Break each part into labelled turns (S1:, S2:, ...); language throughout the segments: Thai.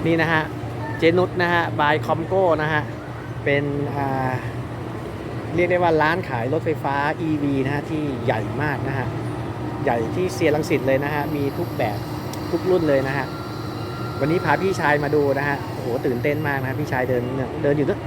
S1: นี่นะฮะเจนุสนะฮะบายคอมโก้นะฮะเป็นเรียกได้ว่าร้านขายรถไฟฟ้า EV นะฮะที่ใหญ่มากนะฮะใหญ่ที่เซียรังสิตเลยนะฮะมีทุกแบบทุกรุ่นเลยนะฮะวันนี้พาพี่ชายมาดูนะฮะโอ้โหตื่นเต้นมากนะพี่ชายเดินอยู่ด้วย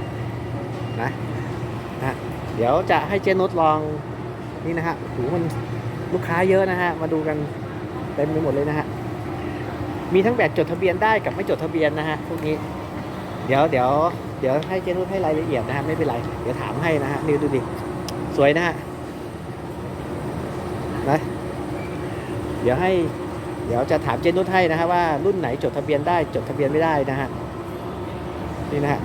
S1: นะเดี๋ยวจะให้เจนุสลองนี่นะฮะโอ้โหมันลูกค้าเยอะนะฮะมาดูกันเต็มไปหมดเลยนะฮะมีทั้งแบบจดทะเบียนได้กับไม่จดทะเบียนนะฮะพวกนี้เดี๋ยวให้เจนุสให้รายละเอียดนะฮะไม่เป็นไรเดี๋ยวถามให้นะฮะนี่ดูดิสวยนะฮะนะเดี๋ยวจะถามเจนุสให้นะฮะว่ารุ่นไหนจดทะเบียนได้จดทะเบียนไม่ได้นะฮะนี่นะฮะ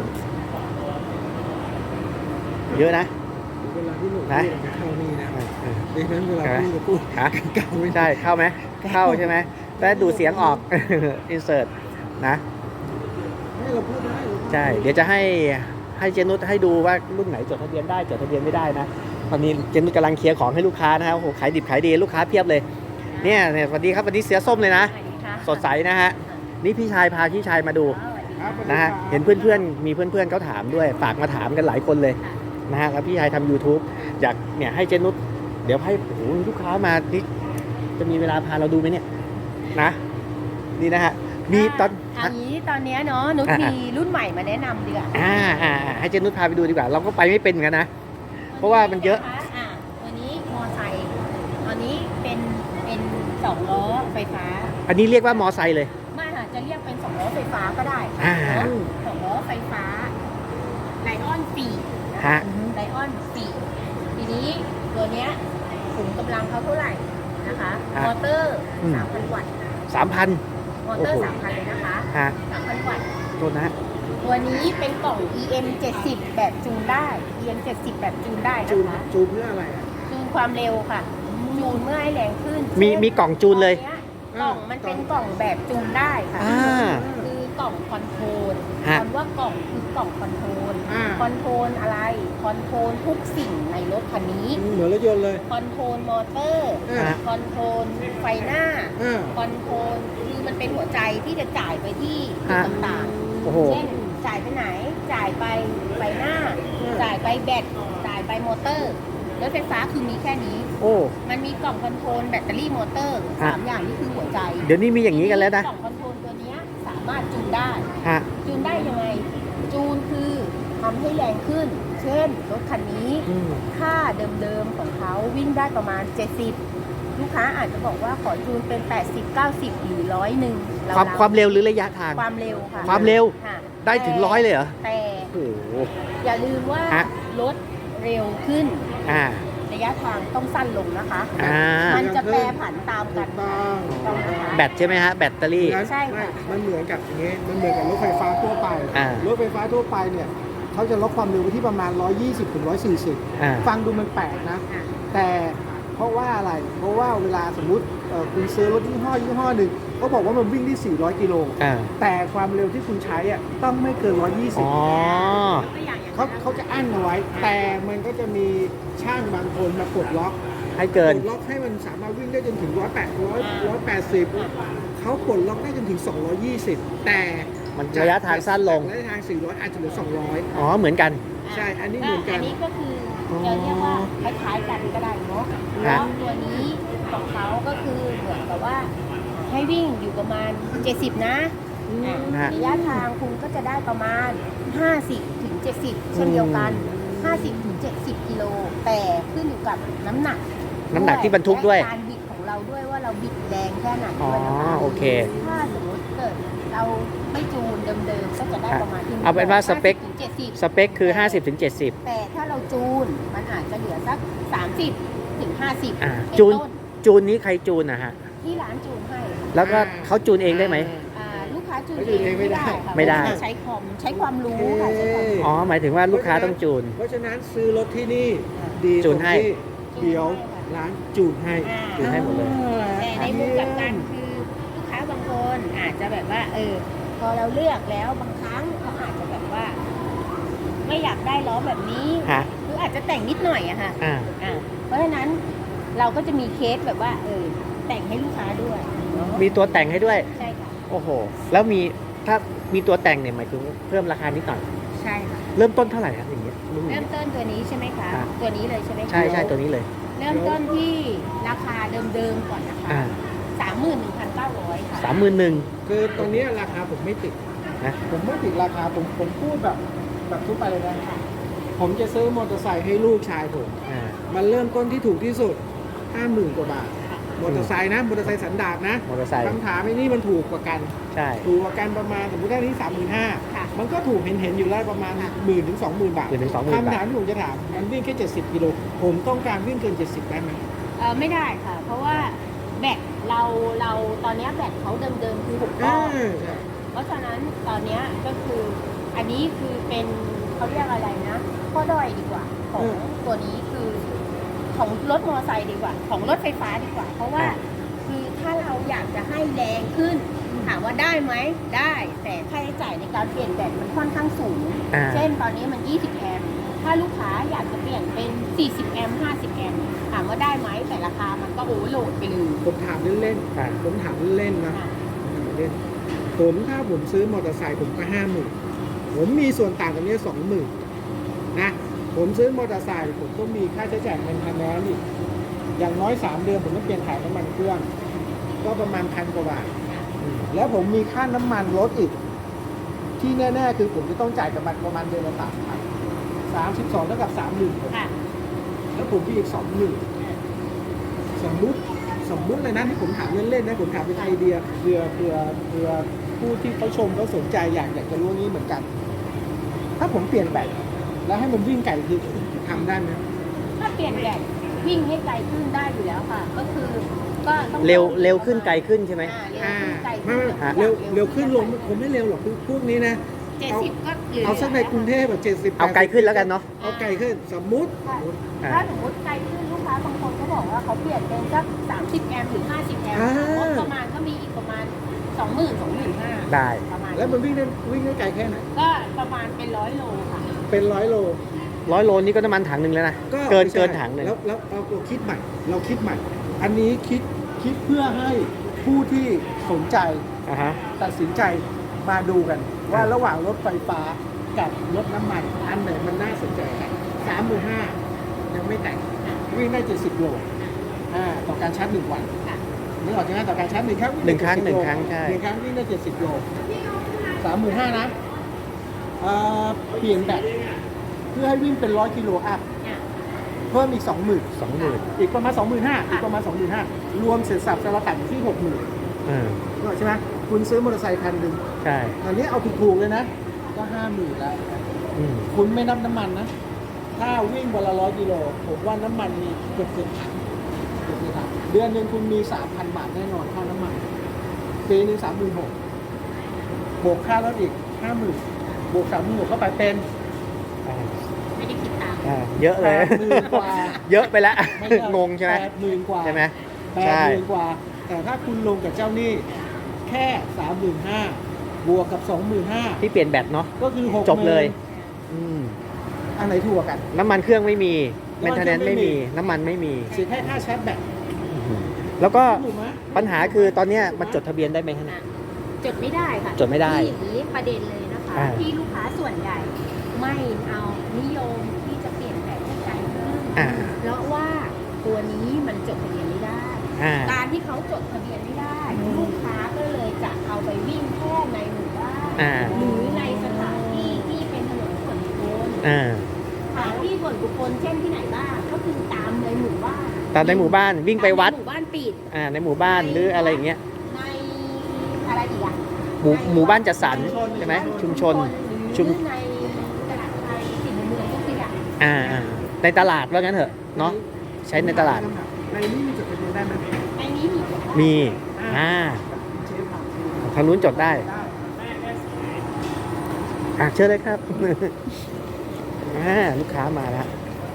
S1: เยอะนะ
S2: เวลาที่หนูพูดเข้านี่นะดังนั้นเวลาพูดเก่าไม่
S1: ได้เข้าไหมเข้าใช่ไหมแต่ดูเสียงออก อินเสิร์ตนะ
S2: ให้เราพูดได้
S1: ใช่เดี๋ยวจะให้เจนุสให้ดูว่ารุ่นไหนจดทะเบียนได้จดทะเบียนไม่ได้นะตอนนี้เจนุสกำลังเคลียร์ของให้ลูกค้านะครับโอ้โหขายดิบขายดีลูกค้าเพียบเลยเนี่ยสวัสดีครับวันนี้เสือส้มเลยนะสดใสนะฮะนี่พี่ชายพาพี่ชายมาดูนะฮะเห็นเพื่อนมีเพื่อนเขาถามด้วยฝากมาถามกันหลายคนเลยนะฮะแล้วพี่ชายทำ YouTube อยากเนี่ยให้เจนุสเดี๋ยวให้โอ้โหลูกค้ามานี่จะมีเวลาพาเราดูไหมเนี่ยนะนี่นะฮะมีตอน
S3: นี้เนาะนุชมีรุ่นใหม่มาแนะนำดีกว่า
S1: ให้เจนุสพาไปดูดีกว่าเราก็ไปไม่เป็นเหมือนกันนะเพราะว่ามันเยอะ
S3: ตัวนี้มอไซค์ตอนนี้เป็น2 ล้อไฟฟ้า
S1: อันนี้เรียกว่ามอไซค์เลย
S3: ไม่ค่ะจะเรียกเป็น2 ล้อไฟฟ้าก็ได้2 ล้อไฟฟ้าไลออน4
S1: ฮะ
S3: ไลออน4ทีนี้ตัวเนี้ยขุมกำลังเขาเท่าไหร่นะคะมอเตอร์ 3,000 วัตต์
S1: 3,000
S3: มอเตอร์ 3,000 เลยนะคะ 3,000 วัตต์
S1: ตัว
S3: นี้เป็นกล่อง EM 70แบบจูนได้ EM 70แบบจูนได้นะคะ
S2: จูนเพื่ออะไร
S3: จูนความเร็วค่ะจูนเมื่อให้แรงขึ้น
S1: มีกล่องจูนเลย
S3: กล่องมันเป็นกล่องแบบจูนได้ค่ะคือกล่องคอนโทรลคำว่ากล่องคือกล่องคอนโทรลคอนโทรลอะไรคอนโทรลทุกสิ่งในรถคันนี้
S2: เหมือนรถยนต์เลย
S3: คอนโทรลมอเตอร์คอนโทรลไฟหน้าคอนโทรลคือมันเป็นหัวใจที่จะจ่ายไปที่จุดต่างๆเช่นจ่ายไปไหนจ่ายไปไฟหน้าจ่ายไปแบตจ่ายไปมอเตอร์รถไฟฟ้าคือมีแค่นี้มันมีกล่องคอนโทรลแบตเตอรี่มอเตอร์3 อย่างนี่คือหัวใจ
S1: เดี๋ยวนี้มีอย่างนี้กันแล้วนะ
S3: กล่องคอนโทรลตัวนี้สามารถจูนได้จูนได้ยังไงจูนคือทำให้แรงขึ้นเช่นรถคันนี้ค่าเดิมๆของเขาวิ่งได้ประมาณ70ลูกค้าอาจจะบอกว่าขอจูนเป็น80 90หรือ100
S1: ความเร็วหรือระยะทาง
S3: ความเร็วค่ะ
S1: ความเร็วได้ถึง100เลยเหรอ
S3: แต่อย่าลืมว่ารถเร็วขึ้นระยะทางต้องสั้นลงนะคะมันจะแปรผันตามกัน
S1: แบตใช่ไหมฮะแบตเตอรี่
S3: ใช่ค่ะ
S2: มันเหมือนกับอย่างเงี้ยมันเหมือนกับรถไฟฟ้าทั่วไปรถไฟฟ้าทั่วไปเนี่ยเขาจะลดความเร็วไปที่ประมาณ120 ถึง 140ฟังดูมันแปลกนะแต่เพราะว่าอะไรเพราะว่าเวลาสมมุติคุณซื้อรถยี่ห้อหนึ่งเขาบอกว่ามันวิ่งได้400 กิโลแต่ความเร็วที่คุณใช้ต้องไม่เกิน120เขาจะอั้นเอาไว้แต่มันก็จะมีช่างบางคนมาปลดล็อก
S1: ให้เกิน
S2: ล็อกให้มันสามารถวิ่งได้จนถึง180เขาปลดล็อกได้จนถึง220แต่
S1: มันระยะทางสั้นลง
S2: ระยะทาง400อาจจะเหลือ200
S1: เหมือนกัน
S2: ใช่อันนี้เหมือนกัน
S3: อันนี้ก็คือจะเรียกว่าคล้ายๆกันก็ได้เนาะแล้วตัวนี้ของเขาก็คือเหมือนกับว่าให้วิ่งอยู่ประมาณ70นะระยะทางคุณก็จะได้ประมาณ50 ถึง 70เช่นเดียวกัน50 ถึง 70 กิโลแต่ขึ้นอยู่กับน้ำหนัก
S1: ที่บรรทุกด้วย
S3: การบิดของเราด้วยว่าเราบิดแรงแค่ไหนด้วยนะคะ
S1: โอเค
S3: ถ้าสมมติเกิดเราไม่จูนเดิมๆก็จะได้ประมาณที่
S1: เอาเป็นว่าสเปคคือ50 ถึง 70
S3: แต่ถ้าเราจูนมันอาจจะเหลือสัก30 ถึง 50
S1: จูนนี้ใครจูนนะฮะ
S3: ที่ร้านจูนให้
S1: แล้วก็เขาจูนเองได้ไหม
S3: ลูกค้าจูนเองไม่ได้ใช้ความรู้ค่ะ
S1: หมายถึงว่าลูกค้าต้องจูน
S2: เพราะฉะนั้นซื้อรถที่นี่ดี
S1: จูนให้
S2: เดี๋ยวร้านจูนให้
S1: หมดเลย
S3: แต่ในมุมกลับกันคือลูกค้าบางคนอาจจะแบบว่าพอเราเลือกแล้วบางครั้งเขาอาจจะแบบว่าไม่อยากได้ล้อแบบนี้หรืออาจจะแต่งนิดหน่อยอะค่ะเพราะฉะนั้นเราก็จะมีเคสแบบว่าแต่งให้ลูกค้าด้วย
S1: มีตัวแต่งให้ด้วย
S3: ใช่ค่ะ
S1: โอ้โหแล้วมีถ้ามีตัวแต่งเนี่ยหมายถึงเพิ่มราคานิดหน่อย
S3: ใช่ค่ะ
S1: เริ่มต้นเท่าไหร่ครับอย่างเงี้ยรุ่น
S3: เริ่
S1: นี้
S3: มต้นตัวนี้ใช่ไหมคะ
S1: ครับ
S3: ตัวนี้เลยใช่ไหมคะ
S1: ใช่ใช่ตัวนี้เลย
S3: เริ่มต้นที่ราคาเดิมๆก่อนนะคะ
S1: อ่า
S3: 31,900 ค่ะ
S1: 31,000
S2: คือตรงเนี้ยราคาผมไม่ติด
S1: นะ
S2: ผมไม่ติดราคาผมพูดแบบทั่วไปเลยนะผมจะซื้อมอเตอร์ไซค์ให้ลูกชายผม
S1: อ่า
S2: มันเริ่มต้นที่ถูกที่สุด 50,000 กว่าบาท มอเตอร์ไซค์นะ มอเตอร์ไซค์สันดาปนะ
S1: มอเตอร์ไซค์
S2: คำถามไอ้นี่มันถูกกว่ากัน
S1: ใช่
S2: ถูกกว่ากันประมาณสมมติได้ที่ 35,000
S3: ค่ะ
S2: มันก็ถูกเห็นอยู่แล้วประมาณ 10,000 ถึง 20,000 บาท
S1: 10,000 ถึง 20,000
S2: คำ
S1: บา
S2: ถาม
S1: ท
S2: ที่ผมจะถามมันวิ่งแค่ 70 กิโล ผมต้องการวิ่งเกิน 70 ได้ไหม
S3: ไม่ได้ค่ะ เพราะว่าแบตเราตอนเนี้ยแบตเขาเดิมๆคือ6ก้อน
S2: ใช่
S3: เพราะฉะนั้นตอนเนี้ยก็คืออันนี้คือเป็นเขาเรียกอะไรนะข้อด้อยดีกว่าของตัวนี้คือของรถมอเตอร์ไซค์ดีกว่า ของรถไฟฟ้าดีกว่า เพราะว่าคือถ้าเราอยากจะให้แรงขึ้นถามว่าได้ไหมได้ แต่ค่าใช้จ่ายในการเปลี่ยนแบตมันค่อนข้างสูง
S1: อ่า
S3: เช่นตอนนี้มัน 20 แอมป์ถ้าลูกค้าอยากจะเปลี่ยนเป็น 40 แอมป์ 50 แอมป์ถามว่าได้ไหมแต่ราคามันก็โอเวอร์โหลดไปเลย
S2: ผมถามเล่น
S1: อ่า
S2: ๆ ผมถามเล่นๆนะ
S3: ค่ะ
S2: เล่นถ้าผมซื้อมอเตอร์ไซค์ผมก็ 50,000 ผมมีส่วนต่างกันเนี้ย20,000 นะ ผมซื้อมอเตอร์ไซค์ผมก็มีค่าใช้จ่ายเป็นคะแนนอีกอย่างน้อย 3 เดือนผมต้องเปลี่ยนถ่ายน้ำมันเครื่อง ก็ประมาณ1,000 กว่าบาท แล้วผมมีค่าน้ำมันรถอีก ที่แน่ๆคือผมจะต้องจ่ายกับมันประมาณเดือนละ3,000 32เท่ากับ 30,000
S3: ค่ะ
S2: แล้วผมมีอีก 20,000 สมมุติเลยนะที่ผมถามเล่นๆนะผมถามเป็นไอเดียเพื่อผู้ที่เขาชมเขาสนใจอยากจะรู้นี้เหมือนกัน ถ้าผมเปลี่ยนแบตแล้วให้มันวิ่งไกลคือทำได้ไหม
S3: ถ้าเปลี่ยนแบตวิ่งให้ไกลขึ้นได้อยู่แล้วค่ะ ก็คือก็ต้อง
S1: เร็วขึ้นไกลขึ้นใช่ไหม
S3: เร็วขึ้นไกลขึ้น
S2: เร็วขึ้นลงผมไม่เร็วหรอกคือพวกนี้นะ
S3: 70 ก็เหลือ
S2: เอาสักในกรุงเทพแบบ70
S1: เอาไกลขึ้นแล้วกันเนาะ
S2: เอาไกลขึ้นสมมุติ
S3: ถ้าสมมติไกลขึ้นลูกค้าบางคนเขาบอกว่าเขาเปลี่ยนเป็นสัก30 แอมป์หรือ 50 แอมป์งบประมาณก็มีอีกประมาณ 20,000-25,000
S1: ได้
S3: ประมาณ
S2: แล้วมันวิ่งได้ไกลแค่ไหน
S3: ก็ประมาณเป็น100 โลค่ะ
S2: เป็น100 โล
S1: 100 โลนี่ก็น้ำมันถังหนึ่งแล้วนะ เกิน
S2: ไม่ใช่
S1: เกินถังหนึ่ง
S2: แล้วเราคิดใหม่ อันนี้คิดเพื่อให้ผู้ที่สนใจ
S1: อ่าฮะ
S2: ตัดสินใจมาดูกัน ว่าระหว่างรถไฟฟ้ากับรถน้ำมันอันไหนมันน่าสนใจกัน35,000ยังไม่แต่งวิ่งได้70 โลต่อการชาร์จ1 วัน
S3: ค่ะ
S2: นึกออกใช่ไหมต่อการชาร์จ1 ครั้งวิ่
S1: หนึ่งครั้ง
S2: ได้70
S1: หนึ่ง
S2: โล
S1: ครั้งใช่
S2: 1 ครั้งวิ่งได้70 โล35,000นะเปลี่ยนแบตเพื่อให้วิ่งเป็น100 กิโลอัพ
S3: อ่ะ
S2: เพิ่มอีก 20,000
S1: 20,000
S2: อีกประมาณ 25,000อีกประมาณ 25,000รวมเสร็จสับจะระดับอยู่ที่ 60,000
S1: อ่า
S2: นึกออกใช่ไหมคุณซื้อมอเตอร์ไซค์คันหนึ่ง
S1: ใช่
S2: อันนี้เอาถูกๆเลยนะ ก็ 50,000แล้ว
S1: อืม
S2: คุณไม่นับน้ำมันนะ ถ้าวิ่งวันละ100 กิโลผมว่าน้ำมันมีเกือบถังเดือนหนึ่งคุณมี 3,000 บาทแน่นอนค่าน้ำมันปีหนึ่ง36,000บวกค่ารถอีก 50,000บวก36,000เข้าไปเป็น
S1: อ่า
S3: ไม่ได้คิดตาม
S1: อ่าเยอะเลย
S2: 80,000 กว่า
S1: เยอะไปแล้ว
S2: ไม่ใช่
S1: งงใช่ไหม
S2: 80,000 กว่า
S1: ใช่ไหม
S2: 80,000
S1: ใช่
S2: กว่า แต่ถ้าคุณลงกับเจ้าหนี้แค่ 35,000บวกกับ 25,000
S1: ที่เปลี่ยนแบตเนาะ
S2: ก็คือ60,000
S1: จบเลย อืม
S2: อันไหนถูกกว่ากัน
S1: น้ำมันเครื่องไม่มี
S2: น้ำมัน
S1: แมนเทนแนน
S2: เครื่องไม่
S1: ไม่
S2: มี
S1: มี น้ำมันไม่มี
S2: เสียแค่ค่าชาร์จแบต
S1: แล้วก็
S2: ถูกไหม
S1: ปัญหาคือตอนเนี้ยมันจดทะเบียนได้ไหมฮะ
S3: จดไม่ได้ค่ะ
S1: จดไม่ได้
S3: ที่อย่างนี้ประเด็นเลยนะคะ
S1: อ่า
S3: ที่ลูกค้าส่วนใหญ่ไม่เอานิยมที่จะเปลี่ยนแปลงให้ไกลขึ้น
S1: อ่า
S3: เพราะว่าตัวนี้มันจดทะเบียนไม่ได้
S1: อ่า
S3: การที่เขาจดทะเบียนไม่ได้ ลูกค้าก็เลยจะเอาไปวิ่งแค่ในหมู่บ้าน
S1: อ่า
S3: หรือในสถานที่ที่เป็นถนนส่วนบุคคล
S1: อ่า
S3: สถานที่ส่วนบุคคลเช่นที่ไหนบ้างก็คือตามในหมู่บ้าน
S1: ตามในหมู่บ้านวิ่งไปวัด
S3: ตามในหมู่บ้านปิด
S1: ในหมู่บ้านหรืออะไรอย่างเงี้ย
S3: ในอะไรอีกอะ
S1: หมู่บ้านจัดสรรใช่ไหมชุมชน
S3: ห
S1: ชุ
S3: รื
S1: ม
S3: อในตลาดไทยสิ่งในเมืองก็คืออย่าง
S1: ในตลาดว่างั้นเถอะเนาะใช้ในตลาด
S2: ในนี้มีจดทะเบียนได้ไหม
S3: ในนี้มี
S1: มี
S2: เชฟถามสิ
S1: ทางนู้นจดได้
S2: ได้
S1: เชิญเลยครับ ลูกค้ามาแล้ว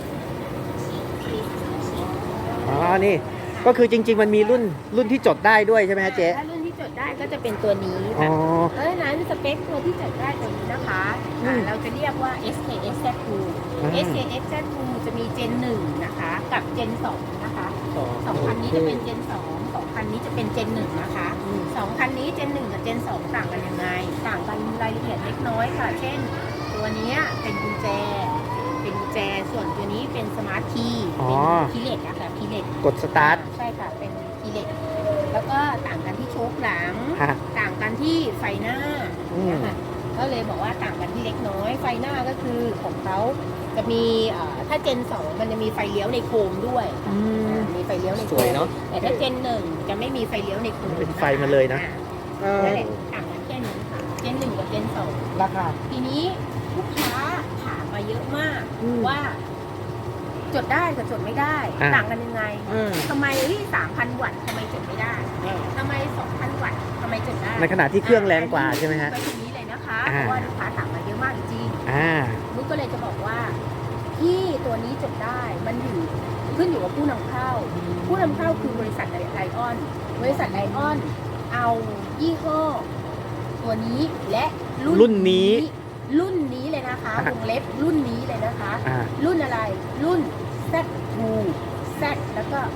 S1: อ๋อนี่ก็คือจริง ๆ มันมีรุ่นที่จดได้ด้วยใช่ไหมฮะเจ๊
S3: ถ้ารุ่นที่จดได้ก็จะเป็นตัวนี้
S1: อ๋อ
S3: เพราะฉะนั้นสเปคตัวที่จดได้ตัวนี้นะคะ
S1: อืม
S3: เราจะเรียกว่า SKS Z2 SKS Z2 จะมี Gen 1 นะคะ กับ Gen 2 นะคะ 2 คันนี้จะเป็น Gen 2 2คันคันนี้จะเป็นเจน 1นะคะ2คันนี้เจน 1กับเจน 2ต่างกันยังไงต่างกันรายละเอียดเล็กน้อยค่ะเช่นตัวนี้เป็นกุญแจส่วนตัวนี้เป็นสมาร์ทคีย์เป็นคีย์เล็กอะค่ะคีย์เล็ก
S1: กดสตาร์ท
S3: ใช่ค่ะเป็นคีย์เล็กแล้วก็ต่างกันที่โชคหลังต่างกันที่ไฟหน้านะคะก็เลยบอกว่าต่างกันที่เล็กน้อยไฟหน้าก็คือของเขาจะมีถ้าเจน 2มันจะมีไฟเลี้ยวในโคมด้วยมีไฟเลี้ยวในโคมแต่ถ้าเจน 1จะไม่มีไฟเลี้ยวในโคม
S1: เป็นไฟมาเลยนะ
S3: นั่นแหละต่างกันแค่นี้ค่ะเจน 1กับเจน 2
S2: ราคา
S3: ทีนี้ลูกค้าถามมาเยอะมากว่าจดได้กับจดไม่ได้ต่างกันยังไงทำไม3,000 วัตต์ทำไมจดไม่ได้ทำไม 2,000 วัตต์ทำไมจดได้
S1: ในขณะที่เครื่องแรงกว่าใช่ไหมฮะ
S3: ไปตรงนี้เลยนะคะเพราะว่าลูกค้าถามมาเยอะมากจริงนุ๊กก็เลยจะบอกว่าที่ตัวนี้จดได้มันขึ้นอยู่กับผู้นำเข้าคือบริษัทไลออนเอายี่ห้อตัวนี้และรุ่นนี้เลยนะคะวงเล็บรุ่นนี้เลยนะคะรุ่นอะไรรุ่น Z2 Z แล้วก็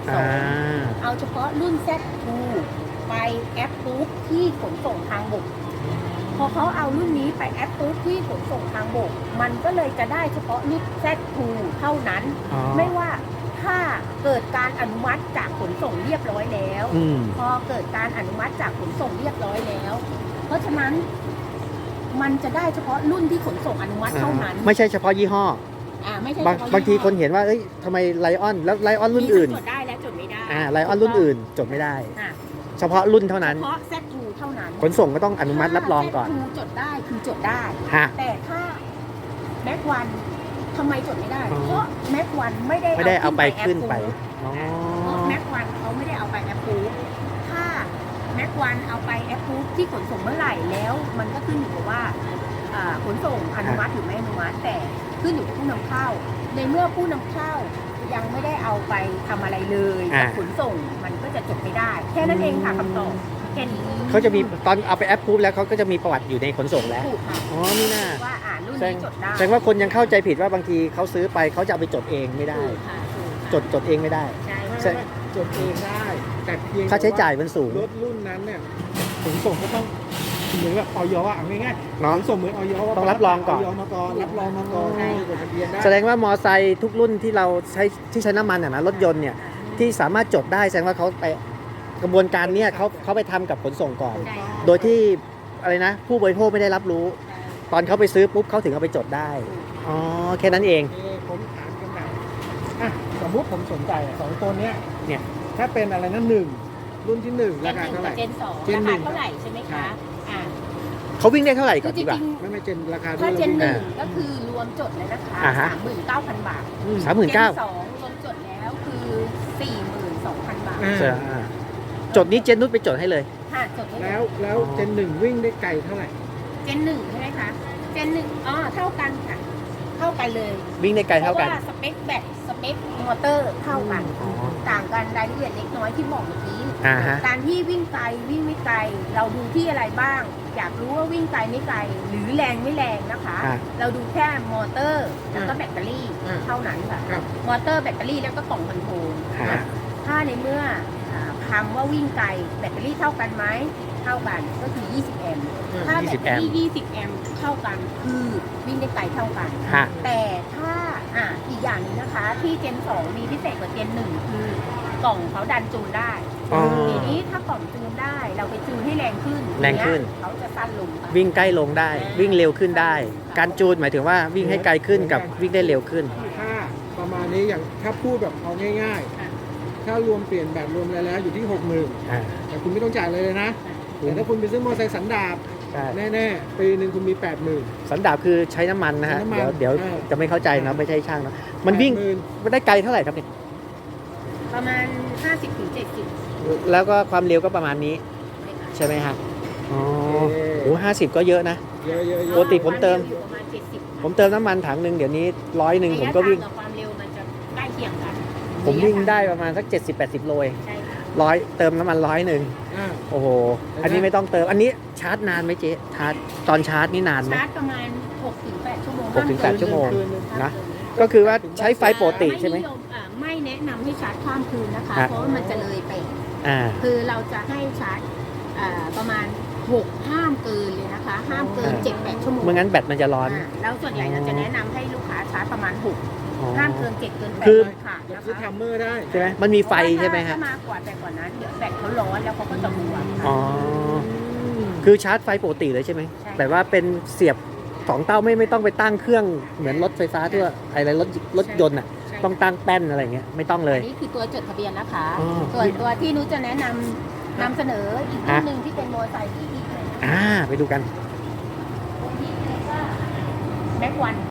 S3: 2เอาเฉพาะรุ่น Z2 ไปแอปปุ๊บที่ขนส่งทางบกพอเขาเอารุ่นนี้ไปแอปปุ๊บที่ขนส่งทางบกมันก็เลยจะได้เฉพาะรุ่น Z2 เท่านั้นไม่ว่าถ้าเกิดการอนุมัติจากขนส่งเรียบร้อยแล้วพอเกิดการอนุมัติจากขนส่งเรียบร้อยแล้วเพราะฉะนั้นมันจะได้เฉพาะรุ่นที่ขนส่งอนุมัติเท่านั้น
S1: ไม่ใช่เฉพาะยี่ห้อ
S3: ไม่ใช่
S1: บางทีคนเห็นว่าเอ้ยทำไมไลออนแล้วไลออนรุ่นอื่น
S3: จดได้และจดไม่ได้
S1: ไลออนรุ่นอื่นจดไม่ได้เฉพาะรุ่นเท่านั้น
S3: เฉพาะ Z2 เท่านั้น
S1: ขนส่งก็ต้องอนุมัติรับรองก่อน
S3: Z2 จดได้คือจดได้แต่ถ้าแม็กวันทำไมจดไม่ได้เพราะแม็กวันไม่ได้
S1: เอาไปขึ้นไป
S3: เพราะแม็กวันเขาไม่ได้เอาไปแอปพูถ้าแม็กวันเอาไปแอปพูที่ขนส่งเมื่อไหร่แล้วมันก็ขึ้นอยู่กับว่าขนส่งอนุมัติหรือไม่อนุมัติแต่ขึ้นอยู่กับผู้นำเข้าในเมื่อผู้นำเข้ายังไม่ได้เอาไปทำอะไรเลยขนส่งมันก็จะจดไม่ได้แค่นั้นเองค่ะคำตอบแค่นี้
S1: เขาจะมีตอนเอาไปแอปพูแล้วเขาก็จะมีประวัติอยู่ในขนส่งแล้ว
S3: ถูกค่ะ
S1: นี่น่า
S3: ว่ารุ่นนี้จดได้
S1: แสดงว่าคนยังเข้าใจผิดว่าบางทีเขาซื้อไปเขาจะเอาไปจดเองไม่ได้จดเองไม่ได้
S2: ใช่จดเองได้แต่เพียง
S1: ค่าใช้จ่ายมันสูง
S2: รถรุ่นนั้นเนี่ยขนส่งก็ต้องเหมือนแบบออยง่ายๆขนส่งเหมือนออย
S1: ต้องรับรองก่อน
S2: รับรองมาก่อนจดทะเบียนได้
S1: แสดงว่ามอไซค์ทุกรุ่นที่เราใช้น้ำมันนะรถยนต์เนี่ยที่สามารถจดได้แสดงว่าเขาไปกระบวนการเนี้ยเขาไปทำกับขนส่งก่อนโดยที่อะไรนะผู้บริโภคไม่ได้รับรู้ตอนเขาไปซื้อปุ๊บเขาถึงเอาไปจดได้แค่นั้นเอง
S2: ผมถามกันแบบสมมุติผมสนใจ2ตัวเนี้ยถ้าเป็นอะไรนะ1รุ่นที่1ราคาเท่าไหร่
S3: เจน 2ราคาเท่าไหร่ใช่ไหมคะ
S1: เขาวิ่งได้เท่าไหร่ก่อนดีกว่า
S2: ไม่เจนราคา
S3: ถ้าเจน 1ก็คือรวมจดเลยนะคะ39,000 บาท
S1: 39,000
S3: เจน 2รวมจดแล้วคือ 42,000 บาท
S1: จดนี้เจนนุชไปจดให้เลย
S3: ค่ะจดให้
S2: แล้วเจน 1วิ่งได้ไกลเท่าไหร่
S3: เจน 1ใช่ไหมคะเจน 1เท่ากันค่ะเท่ากันเลย
S1: วิ่งได้ไกลเท่ากัน
S3: เพราะว่าสเปคแบตสเปคมอเตอร์เท่ากันต่างกันรายละเอียดเล็กน้อยที่บอกเมื่อกี้การที่วิ่งไกลวิ่งไม่ไกลเราดูที่อะไรบ้างอยากรู้ว่าวิ่งไกลไม่ไกลหรือแรงไม่แรงนะคะเราดูแค่มอเตอร์แล้วก็แบตเตอรี่เท่านั้นค่ะมอเตอร์แบตเตอรี่แล้วก็กล่องคอนโทรลถ้าในเมื่อคำว่าวิ่งไกลแบตเตอรี่เท่ากันไหมเท่ากันก็คือ20แอมป์ถ้าแบตเตอรี่20แอมป์เท่ากันคือวิ่งได้ไกลเท่ากันแต่ถ้าอีกอย่างนึงนะคะที่เจน 2มีพิเศษกว่าเจน 1คือกล่องเขาดันจูนได้ทีนี้ถ้ากล่องจูนได้เราไปจูนให้แรงขึ้นเขาจะสั้นลง
S1: วิ่งใกล้ลงได้วิ่งเร็วขึ้นได้การจูนหมายถึงว่าวิ่งให้ไกลขึ้นกับวิ่งได้เร็วขึ้น
S2: ถ้าประมาณนี้อย่างถ้าพูดแบบเอาง่ายๆถ้ารวมเปลี่ยนแบบรวมอะไรแล้วอยู่ที่ 60,000แต่คุณไม่ต้องจ่ายเลยนะแต่ถ้าคุณไปซื้อมอเตอร์ไซค์สันดาปแน่ๆปีนึงคุณมี 80,000
S1: สันดาปคือใช้น้ำมันนะฮะเดี๋ยวจะไม่เข้าใจนะไม่ใช่ช่างนะมันวิ่งได้ไกลเท่าไหร่ครับเนี่ย
S3: ประมาณ50-70
S1: แล้วก็ความเร็วก็ประมาณนี้ใช่ไหมฮะโอ้50ก็เยอะนะปกติผมเติมน้ำมันถังหนึ่งเดี๋ยวนี้100ผมก็วิ่ง
S3: ความเร็วมันจะใกล้เคียงกัน
S1: ผมวิ่งได้ประมาณสัก70-80 โล100เติมน้ำมัน100โอ้โหอันนี้ไม่ต้องเติมอันนี้ชาร์จนานไหมเจ๊ชาร์จตอนชาร์จนี่นานไหม
S3: ชาร์จประมาณ6-8 ชั่วโมง
S1: 6-8 ชั่วโมงนะก็คือว่าใช้ไฟปกติใช่ไหม
S3: ไม่แนะนำให้ชาร์จข้ามคืนนะคะเพราะมันจะเลยไปคือเราจะให้ชาร์จประมาณ6ห้ามเกินเลยนะคะ ห้ามเกิน 7-8 ชั่วโมง
S1: ไม่งั้นแบตมันจะร้อน
S3: แล้วส่วนใหญ่เราจะแนะนำให้ลูกค้าชาร์จประมาณ6ห้ามเกิน7เกิน8
S1: คือ
S3: ค่ะนะ
S2: คือ
S3: คะ
S2: ทัมเมอร์ได้
S1: ใช่ไหมมันมีไฟใช่ไหมฮะ
S3: ถ้ามากกว่าแต่กว่านั้นเดี๋ยวแบตเขาร้อนแล้วเขาก็จะบวม
S1: อ๋อ คือชาร์จไฟปกติเลยใช่ไหม
S3: ใช่
S1: แบบว่าเป็นเสียบ2 เต้าไม่ต้องไปตั้งเครื่องเหมือนรถไฟฟ้าทั่วอะไรรถยนต์อ่ะ
S3: ใช่
S1: ต้องตั้งแป้นอะไรเงี้ยไม่ต้องเลย
S3: อันนี้คือตัวจดทะเบียนนะคะ
S1: อ๋อ
S3: ส่วนตัวที่นุชจะแนะนำเสนออีกรุ่นหนึ่งที่เป็นมอเตอร์ไซค์ที่ดีเลย
S1: ไปดูกัน
S3: แม็กวัน